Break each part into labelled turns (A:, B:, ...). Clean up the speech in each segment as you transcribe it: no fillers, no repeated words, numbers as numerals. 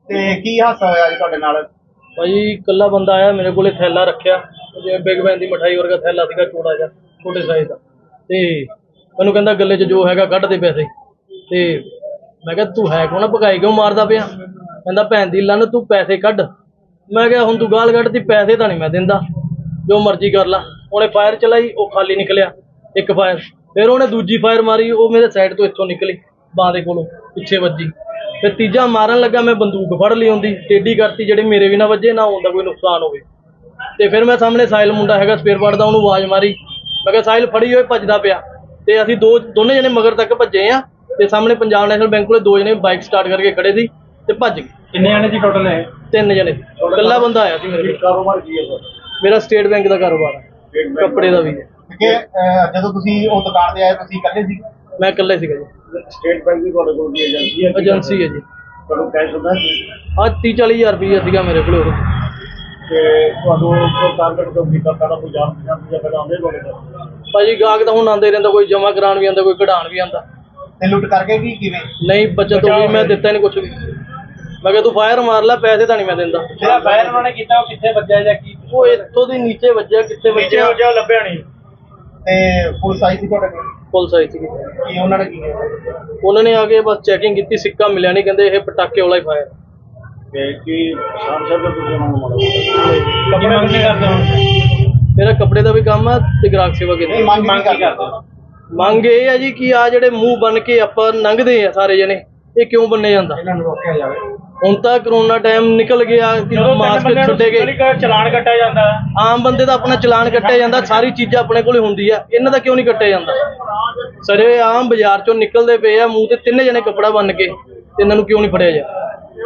A: ਤੇ ਕੀ ਹਾਦਸਾ ਹੋਇਆ ਅੱਜ ਤੁਹਾਡੇ ਨਾਲ?
B: भाई कल्ला बंदा आया मेरे को थैला रखा जिवें बिग बैन की मिठाई वर्गा थैला सीगा चौड़ा जिहा छोटे साइज का ते मैनूं कहंदा गले च जो हैगा कढ दे पैसे ते मैं कहा तू है कौन भगाई क्यों मारदा पिया कहंदा भैन दी लन्न तू पैसे कढ मैं कहा हुण तू गाल कढदी पैसे तां नहीं मैं दिंदा जो मर्जी कर ला उहने फायर चलाई वो खाली निकलिया एक फायर फिर उहने दूजी फायर मारी वो मेरे साइड तो इत्थों निकली बांह दे कोलों पिछे वजी फिर तीजा मारन लगा मैं बंदूक फड़ ली होंदी टेढ़ी करती ਜਿਹੜੇ ਮੇਰੇ ਵੀ ਨਾ ਵੱਜੇ ਨਾ ਹੁੰਦਾ ਕੋਈ ਨੁਕਸਾਨ ਹੋਵੇ ਤੇ ਫਿਰ ਮੈਂ ਸਾਹਮਣੇ ਸਾਹਿਲ ਮੁੰਡਾ ਹੈਗਾ ਸਪੇਅਰ ਪਾਰਟ ਦਾ ਉਹਨੂੰ ਆਵਾਜ਼ ਮਾਰੀ ਮੈਂ ਕਿਹਾ ਸਾਹਿਲ ਫੜੀ ਹੋਏ ਭੱਜਦਾ ਪਿਆ ਤੇ ਅਸੀਂ ਦੋਨੇ ਜਣੇ ਮਗਰ ਤੱਕ ਭੱਜੇ ਆ ਤੇ ਸਾਹਮਣੇ ਪੰਜਾਬ ਨੈਸ਼ਨਲ ਬੈਂਕ ਕੋਲੇ ਦੋ ਜਣੇ ਬਾਈਕ ਸਟਾਰਟ ਕਰਕੇ ਖੜੇ ਸੀ ਤੇ ਭੱਜ ਗਏ।
A: ਕਿੰਨੇ ਜਣੇ ਸੀ ਟੋਟਲ? ਹੈ
B: 3 ਜਣੇ ਇਕੱਲਾ ਬੰਦਾ ਆਇਆ ਸੀ ਮੇਰੇ ਕੋਲ।
A: ਕਾਰੋਬਾਰ ਕੀ ਹੈ?
B: ਮੇਰਾ ਸਟੇਟ ਬੈਂਕ ਦਾ ਕਾਰੋਬਾਰ ਹੈ ਕੱਪੜੇ ਦਾ ਵੀ ਹੈ।
A: ਕਿ ਜਦੋਂ ਤੁਸੀਂ ਉਹ ਦੁਕਾਨ ਤੇ ਆਏ ਤੁਸੀਂ ਇਕੱਲੇ ਸੀ?
B: ਮੈਂ ਇਕੱਲੇ ਸੀਗਾ ਜੀ।
A: ਸਟੇਟ ਬੈਂਕ ਦੀ ਤੁਹਾਡੇ ਕੋਲ ਏਜੰਸੀ ਹੈ?
B: ਏਜੰਸੀ ਹੈ ਜੀ।
A: ਤੁਹਾਨੂੰ ਕੈਸ਼ ਹੁੰਦਾ ਸੀ?
B: ਹਾਂ 30-40 ਹਜ਼ਾਰ ਰੁਪਈਆ ਸੀਗਾ ਮੇਰੇ ਕੋਲ ਉਹ।
A: ਤੇ ਤੁਹਾਨੂੰ ਕੋਈ ਟਾਰਗੇਟ ਤੋਂ ਕੀਤਾ ਪਹਿਲਾਂ ਕੋਈ ਜਾਣ ਪਛਾਣ ਜਾਂ ਪਹਿਲਾਂ ਆਉਂਦੇ ਤੁਹਾਡੇ ਕੋਲ?
B: ਭਾਜੀ ਗਾਹਕ ਤਾਂ ਹੁਣ ਆਉਂਦੇ ਰਹਿੰਦਾ ਕੋਈ ਜਮਾ ਕਰਾਉਣ ਵੀ ਆਉਂਦਾ ਕੋਈ ਕਢਾਉਣ ਵੀ ਆਉਂਦਾ।
A: ਤੇ ਲੁੱਟ ਕਰਕੇ ਕੀ ਕਿਵੇਂ?
B: ਨਹੀਂ ਬੱਚਤ ਹੋ ਗਈ ਮੈਂ ਦਿੱਤਾ ਨਹੀਂ ਕੁਛ ਵੀ ਮੈਂ ਕਿਹਾ ਤੂੰ ਫਾਇਰ ਮਾਰ ਲੈ ਪੈਸੇ ਤਾਂ ਨਹੀਂ ਮੈਂ ਦਿੰਦਾ।
A: ਜਿਹੜਾ ਫਾਇਰ ਉਹਨਾਂ ਨੇ ਕੀਤਾ ਉਹ ਕਿੱਥੇ ਵੱਜਿਆ ਜਾਂ ਕੀ?
B: ਉਹ ਇੱਥੋਂ ਦੀ ਨੀਚੇ ਵੱਜਿਆ ਕਿੱਥੇ ਵੱਜਿਆ
A: ਉਹ ਲੱਭਿਆ ਨਹੀਂ। ਤੇ ਪੁਲਿਸ ਆਈ ਸੀ ਤੁਹਾਡੇ ਕੋਲ?
B: ਪੁਲਿਸ ਆਈ ਸੀ।
A: ਕੀ ਉਹਨਾਂ ਨੇ ਕੀ ਕੀਤਾ?
B: ਉਹਨਾਂ ਨੇ ਆ ਕੇ ਬਸ ਚੈਕਿੰਗ ਕੀਤੀ ਸਿੱਕਾ ਮਿਲਿਆ ਨਹੀਂ ਕਹਿੰਦੇ ਇਹ ਪਟਾਕੇ ਵਾਲਾ ਹੀ ਫਾਇਰ।
A: ਤੇ ਕੀ ਸ਼ਾਮ ਦਾ ਤੁਸੀਂ ਉਹਨਾਂ ਨੂੰ ਮਾਰੋ? ਕੱਪੜੇ ਮੰਗ ਨਹੀਂ ਕਰਦੇ ਹੁਣ?
B: ਮੇਰਾ ਕੱਪੜੇ ਦਾ ਵੀ ਕੰਮ ਆ ਤੇ ਗ੍ਰਾਹਕ ਸੇਵਾ ਕੀਤੀ।
A: ਮੰਗ ਕੀ ਕਰਦੇ?
B: ਮੰਗ ਇਹ ਹੈ ਜੀ ਕਿ ਆ ਜਿਹੜੇ ਮੂੰਹ ਬਨ ਕੇ ਆਪਾਂ ਲੰਘਦੇ ਆ ਸਾਰੇ ਜਣੇ ਇਹ ਕਿਉਂ ਬੰਨੇ ਜਾਂਦਾ?
A: ਇਹਨਾਂ ਨੂੰ ਰੋਕਿਆ ਜਾਵੇ।
B: ਹੁਣ ਤਾਂ ਕਰੋਨਾ ਟਾਈਮ ਨਿਕਲ ਗਿਆ ਕਿ ਮਾਸਕ ਛੱਡੇ ਗਏ
A: ਚਲਾਨ ਕੱਟਿਆ ਜਾਂਦਾ।
B: ਆਮ ਬੰਦੇ ਦਾ ਆਪਣਾ ਚਲਾਨ ਕੱਟਿਆ ਜਾਂਦਾ ਸਾਰੀ ਚੀਜ਼ਾਂ ਆਪਣੇ ਕੋਲੇ ਹੁੰਦੀ ਆ ਇਹਨਾਂ ਦਾ ਕਿਉਂ ਨਹੀਂ ਕੱਟਿਆ ਜਾਂਦਾ? ਸਾਰੇ ਆਮ ਬਾਜ਼ਾਰ ਚੋਂ ਨਿਕਲਦੇ ਪਏ ਆ ਮੂੰਹ ਤੇ 3 ਜਣੇ ਕੱਪੜਾ ਬੰਨ ਕੇ ਤੇ ਇਹਨਾਂ ਨੂੰ ਕਿਉਂ ਨਹੀਂ ਫੜਿਆ ਜਾ?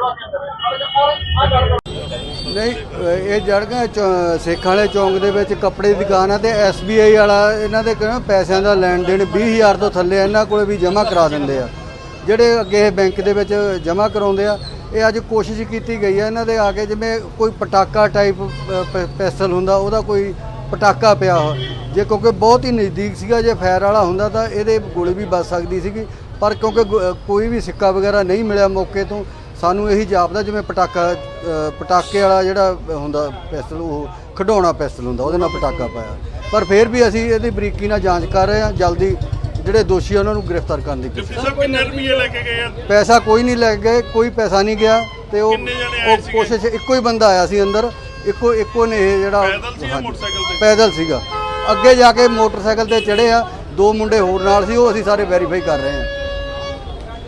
C: ਨਹੀਂ ਇਹ ਜੜਗਾ ਸੇਖਾਂ ਵਾਲੇ ਚੌਂਕ ਦੇ ਵਿੱਚ ਕੱਪੜੇ ਦੀ ਦੁਕਾਨ ਆ ਤੇ SBI ਵਾਲਾ ਇਹਨਾਂ ਦੇ ਕਹਿੰਦਾ ਪੈਸਿਆਂ ਦਾ ਲੈਣ ਦੇਣ 20,000 ਤੋਂ ਥੱਲੇ ਇਹਨਾਂ ਕੋਲੇ ਵੀ ਜਮ੍ਹਾਂ ਕਰਾ ਦਿੰਦੇ ਆ ਜਿਹੜੇ ਅੱਗੇ ਬੈਂਕ ਦੇ ਵਿੱਚ ਜਮ੍ਹਾਂ ਕਰਾਉਂਦੇ ਆ। ਇਹ ਅੱਜ ਕੋਸ਼ਿਸ਼ ਕੀਤੀ ਗਈ ਹੈ ਇਹਨਾਂ ਦੇ ਆ ਕੇ ਜਿਵੇਂ ਕੋਈ ਪਟਾਕਾ ਟਾਈਪ ਪੈਸਲ ਹੁੰਦਾ ਉਹਦਾ ਕੋਈ ਪਟਾਕਾ ਪਿਆ ਜੇ ਕਿਉਂਕਿ ਬਹੁਤ ਹੀ ਨਜ਼ਦੀਕ ਸੀਗਾ ਜੇ ਫਾਇਰ ਵਾਲਾ ਹੁੰਦਾ ਤਾਂ ਇਹਦੇ ਗੋਲੀ ਵੀ ਵੱਜ ਸਕਦੀ ਸੀਗੀ ਪਰ ਕਿਉਂਕਿ ਕੋਈ ਵੀ ਸਿੱਕਾ ਵਗੈਰਾ ਨਹੀਂ ਮਿਲਿਆ ਮੌਕੇ ਤੋਂ ਸਾਨੂੰ ਇਹੀ ਜਾਪਦਾ ਜਿਵੇਂ ਪਟਾਕੇ ਵਾਲਾ ਜਿਹੜਾ ਹੁੰਦਾ ਪੈਸਲ ਉਹ ਖਿਡੌਣਾ ਪੈਸਲ ਹੁੰਦਾ ਉਹਦੇ ਨਾਲ ਪਟਾਕਾ ਪਾਇਆ ਪਰ ਫਿਰ ਵੀ ਅਸੀਂ ਇਹਦੀ ਬਰੀਕੀ ਨਾਲ ਜਾਂਚ ਕਰ ਰਹੇ ਹਾਂ ਜਲਦੀ ਜਿਹੜੇ ਦੋਸ਼ੀ ਉਹਨਾਂ ਨੂੰ ਗ੍ਰਿਫਤਾਰ ਕਰਨ ਦੀ ਕੋਸ਼ਿਸ਼। ਪੈਸਾ ਕੋਈ ਨਹੀਂ ਲੈ ਗਏ ਕੋਈ ਪੈਸਾ ਨਹੀਂ ਗਿਆ ਤੇ ਉਹ ਕੋਸ਼ਿਸ਼ ਇੱਕੋ ਹੀ ਬੰਦਾ ਆਇਆ ਸੀ ਅੰਦਰ ਇੱਕੋ ਨੇ ਇਹ ਜਿਹੜਾ ਪੈਦਲ ਸੀਗਾ ਅੱਗੇ ਜਾ ਕੇ ਮੋਟਰਸਾਈਕਲ ਤੇ ਚੜ੍ਹੇ ਆ 2 ਮੁੰਡੇ ਹੋਰ ਨਾਲ ਸੀ ਉਹ ਅਸੀਂ ਸਾਰੇ ਵੈਰੀਫਾਈ ਕਰ ਰਹੇ ਹਾਂ।